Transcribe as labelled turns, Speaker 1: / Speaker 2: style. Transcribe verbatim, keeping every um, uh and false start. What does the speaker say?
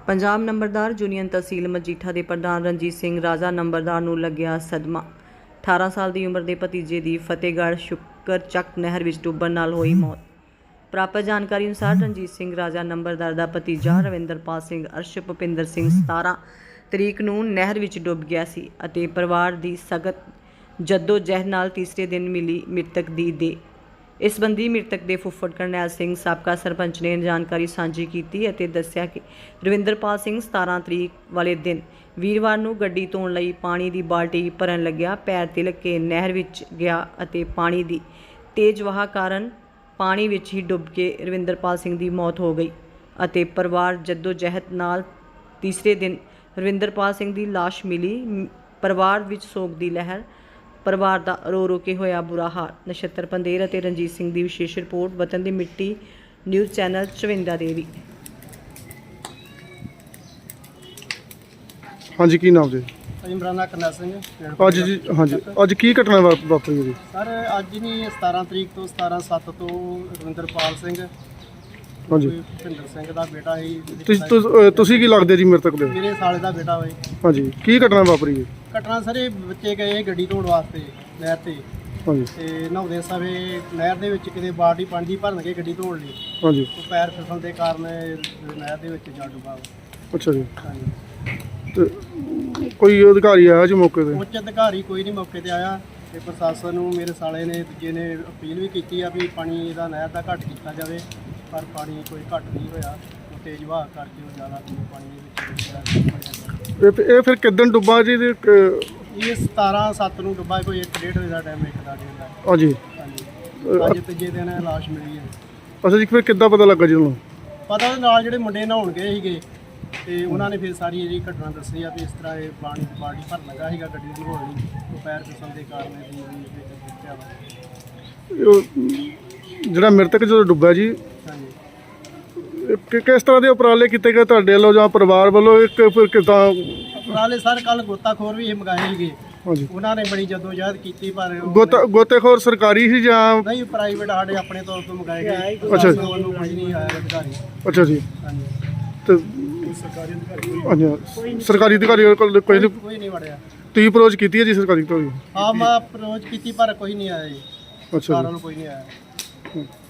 Speaker 1: पंजाब नंबरदार यूनियन तहसील मजीठा के प्रधान रणजीत सिंह राजा नंबरदार नूं लग्या सदमा। अठारह साल की उम्र के भतीजे की फतेहगढ़ शुकरचक नहर में डुब्बण नाल होई मौत। प्राप्त जानकारी अनुसार रणजीत सिंह राजा नंबरदार का भतीजा रविंदरपाल सिंह अर्श भुपिंदर सिंह सतारह तरीक नूं नहर में डुੱਬ गया सी अते परिवार की सख्त जद्दोजहद नाल तीसरे दिन मिली मृतक की देह। इस संबंधी मृतक के फुੱਫੜ करनैल सिंह साबका सरपंच ने जानकारी सांझी की ਅਤੇ ਦੱਸਿਆ कि रविंदरपाल सिंह सतारह तरीक वाले दिन वीरवार ਨੂੰ ਗੱਡੀ ਧੋਣ ਲਈ पानी की बाल्टी भरन लग्या पैर तिलक के नहर विच गया ਅਤੇ पानी की तेज वहा कारण पानी विच ही डुੱਬ के रविंदरपाल सिंह की मौत हो गई ਅਤੇ परिवार जद्दोजहद नाल तीसरे दिन रविंदरपाल सिंह की लाश मिली। परिवार विच सोग की लहर, परिवार का रो रो के होया बुरा हाल। नक्षत्र पंदेर और रणजीत सिंह की विशेष रिपोर्ट वतन की मिट्टी न्यूज़ चैनल चविंदा देवी।
Speaker 2: हाँ जी, की नाम जी?
Speaker 3: इमराना करनैल सिंह।
Speaker 2: अज जी हाँ जी अज की घटना वा- वापरी जी?
Speaker 3: सर अज नहीं सतारह तरीक तो सतारह सत्त तो रविंदरपाल सिंह
Speaker 2: हाँ जी
Speaker 3: भुपिंदर सिंह का बेटा ही
Speaker 2: तुस- तुस- अ, तुसी की लगदे जी मृतक दे?
Speaker 3: मेरे साले का बेटा होए।
Speaker 2: हाँ जी की घटना वापरी जी?
Speaker 3: घटना सर ਇਹ ਬੱਚੇ ਗਏ ਗੱਡੀ ਧੋਣ ਵਾਸਤੇ ਨਹਿਰ ਤੇ
Speaker 2: हाँ जी
Speaker 3: ਤੇ ਨਹਾਉਂਦੇ ਸਮੇਂ ਨਹਿਰ ਦੇ ਵਿੱਚ ਕਿਤੇ ਬਾਲਟੀ ਪਾਣੀ ਦੀ ਭਰਨ ਕੇ ਗੱਡੀ ਧੋਣ ਲਈ
Speaker 2: हाँ जी
Speaker 3: ਉਹ ਪੈਰ ਫਿਸਲਣ ਦੇ ਕਾਰਨ ਨਹਿਰ ਦੇ ਵਿੱਚ ਜਾ ਡੁੱਬਾ ਉਹ।
Speaker 2: अच्छा जी
Speaker 3: ਹਾਂਜੀ
Speaker 2: ਤੇ ਕੋਈ ਅਧਿਕਾਰੀ ਆਇਆ ਜੀ ਮੌਕੇ ਤੇ?
Speaker 3: ਉੱਚ ਅਧਿਕਾਰੀ ਕੋਈ ਨਹੀਂ ਮੌਕੇ ਤੇ ਆਇਆ ਤੇ ਪ੍ਰਸ਼ਾਸਨ ਨੂੰ ਮੇਰੇ ਸਾਲੇ ਨੇ ਦੂਜੇ ਨੇ ਅਪੀਲ ਵੀ ਕੀਤੀ ਆ ਵੀ ਪਾਣੀ ਇਹਦਾ ਨਹਿਰ ਦਾ ਘੱਟ ਕੀਤਾ ਜਾਵੇ, ਪਰ ਪਾਣੀ ਕੋਈ ਘੱਟ ਨਹੀਂ ਹੋਇਆ। ਉਹ ਤੇਜ਼ ਵਹਾਅ ਕਰਕੇ ਉਹ ਜ਼ਿਆਦਾ ਪਾਣੀ ਦੇ ਵਿੱਚ ਡੁੱਬਿਆ।
Speaker 2: ਇਹ ਇਹ ਫਿਰ ਕਿਦਨ ਡੁੱਬਾ ਜੀ ਤੇ ਕ-
Speaker 3: ਇਹ ਸਤਾਰਹ ਸੱਤ ਨੂੰ ਡੁੱਬਾ ਕੋਈ ਇੱਕ ਡੇਢ ਵਜੇ ਦਾ ਟਾਈਮ ਇੱਕ ਦਾ ਡੇਢ ਦਾ।
Speaker 2: हाँ जी
Speaker 3: ਹਾਂਜੀ ਅੱਜ ਤੀਜੇ ਦਿਨ ਇਹ ਲਾਸ਼ ਮਿਲੀ ਹੈ।
Speaker 2: ਅੱਛਾ ਜੀ ਫਿਰ ਕਿੱਦਾਂ ਪਤਾ ਲੱਗਾ ਜੀ ਤੁਹਾਨੂੰ?
Speaker 3: ਪਤਾ ਉਹਦੇ ਨਾਲ ਜਿਹੜੇ ਮੁੰਡੇ ਨਹਾਉਣ ਗਏ ਸੀਗੇ ਤੇ ਉਹਨਾਂ ਨੇ ਫਿਰ ਸਾਰੀ ਜਿਹੜੀ ਘਟਨਾ ਦੱਸੀ ਆ ਵੀ ਇਸ ਤਰ੍ਹਾਂ ਇਹ ਪਾਣੀ ਦੀ ਬਾਲਟੀ ਭਰਨ ਲੱਗਾ ਸੀਗਾ ਗੱਡੀ ਦੀ ਹੋਣ ਲਈ, ਉਹ ਪੈਰ ਫਿਸਲਣ ਦੇ ਕਾਰਨ ਇਹ ਵੀ ਵਿੱਚ ਡੁੱਬਿਆ ਵਾ।
Speaker 2: ਉਹ ਜਿਹੜਾ ਮ੍ਰਿਤਕ ਜਦੋਂ ਡੁੱਬਾ ਜੀ
Speaker 3: ਹਾਂਜੀ
Speaker 2: ਇਹ ਕਿ- ਕਿਸ ਤਰ੍ਹਾਂ ਦੇ ਉਪਰਾਲੇ ਕੀਤੇ ਗਏ ਤੁਹਾਡੇ ਵੱਲੋਂ ਜਾਂ ਪਰਿਵਾਰ ਵੱਲੋਂ? ਇੱਕ ਫਿਰ ਕਿੱਦਾਂ?
Speaker 3: ਉਪਰਾਲੇ ਸਰ ਕੱਲ ਗੋਤਾਖੋਰ ਵੀ ਇਹ ਮੰਗਾਏ ਸੀਗੇ,
Speaker 2: हाँ जी
Speaker 3: ਉਹਨਾਂ ਨੇ ਬੜੀ ਜਦੋਜਹਿਦ ਕੀਤੀ ਪਰ ਉਹ
Speaker 2: ਗੋਤਾ ਗੋਤੇਖੋਰ ਸਰਕਾਰੀ ਸੀ ਜਾਂ?
Speaker 3: ਨਹੀਂ ਪ੍ਰਾਈਵੇਟ ਸਾਡੇ ਆਪਣੇ ਤੌਰ ਤੋਂ ਮੰਗਾਏ ਗਏ।
Speaker 2: ਅੱਛਾ।
Speaker 3: ਉਹਨੂੰ ਕੋਈ ਨਹੀਂ ਆਇਆ ਅਧਿਕਾਰੀ।
Speaker 2: ਅੱਛਾ ਜੀ
Speaker 3: ਹਾਂਜੀ
Speaker 2: ਤੇ
Speaker 3: ਸਰਕਾਰੀ ਅਧਿਕਾਰੀ
Speaker 2: ਹਾਂਜੀ ਸਰਕਾਰੀ ਅਧਿਕਾਰੀ ਕੋਲ ਕੋਈ ਨਹੀਂ?
Speaker 3: ਕੋਈ ਨਹੀਂ ਵੜਿਆ।
Speaker 2: ਤੁਸੀਂ ਅਪਰੋਚ ਕੀਤੀ ਹੈ ਜੀ ਸਰਕਾਰੀ ਤੋਂ?
Speaker 3: ਹਾਂ ਮੈਂ ਅਪਰੋਚ ਕੀਤੀ ਪਰ ਕੋਈ ਨਹੀਂ ਆਇਆ ਜੀ,
Speaker 2: ਅੱਛਾ
Speaker 3: ਸਾਰਿਆਂ
Speaker 2: ਜੀ
Speaker 3: ਨੂੰ ਕੋਈ ਨਹੀਂ ਆਇਆ।